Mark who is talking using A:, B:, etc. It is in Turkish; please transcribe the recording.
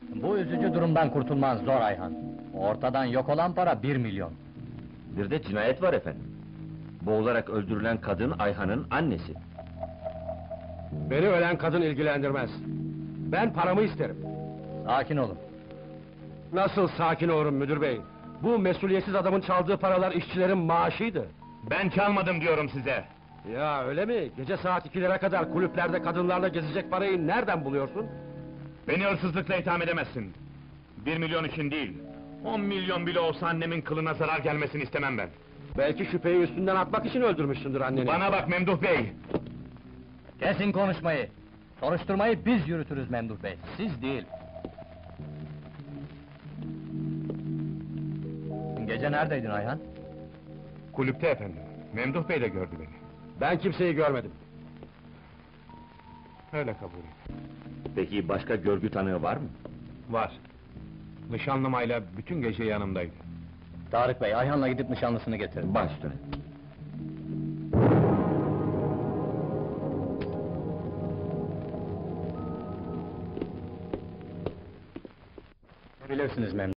A: Bu üzücü durumdan kurtulman zor Ayhan. Ortadan yok olan para 1 milyon.
B: Bir de cinayet var efendim. Boğularak öldürülen kadın Ayhan'ın annesi.
C: Beni ölen kadın ilgilendirmez. Ben paramı isterim.
A: Sakin olun.
C: Nasıl sakin olurum müdür bey? Bu mesuliyetsiz adamın çaldığı paralar işçilerin maaşıydı.
D: Ben çalmadım diyorum size.
C: Ya öyle mi? Gece saat 2'lere kadar kulüplerde kadınlarla gezecek parayı nereden buluyorsun?
D: Beni hırsızlıkla itham edemezsin. 1 milyon için değil, 10 milyon bile olsa annemin kılına zarar gelmesini istemem ben.
C: Belki şüpheyi üstünden atmak için öldürmüşsündür anneni.
D: Bana bak Memduh Bey!
A: Kesin konuşmayı. Soruşturmayı biz yürütürüz Memduh Bey, siz değil. Gece neredeydin Ayhan?
D: Kulüpte efendim, Memduh Bey de gördü beni.
C: Ben kimseyi görmedim.
D: Öyle kabul et.
B: Peki başka görgü tanığı var mı?
D: Var. Nişanlımayla bütün gece yanımdaydı.
A: Tarık Bey, Ayhan'la gidip nişanlısını getirin.
B: Baş üstüne.
A: Bilirsiniz Memduh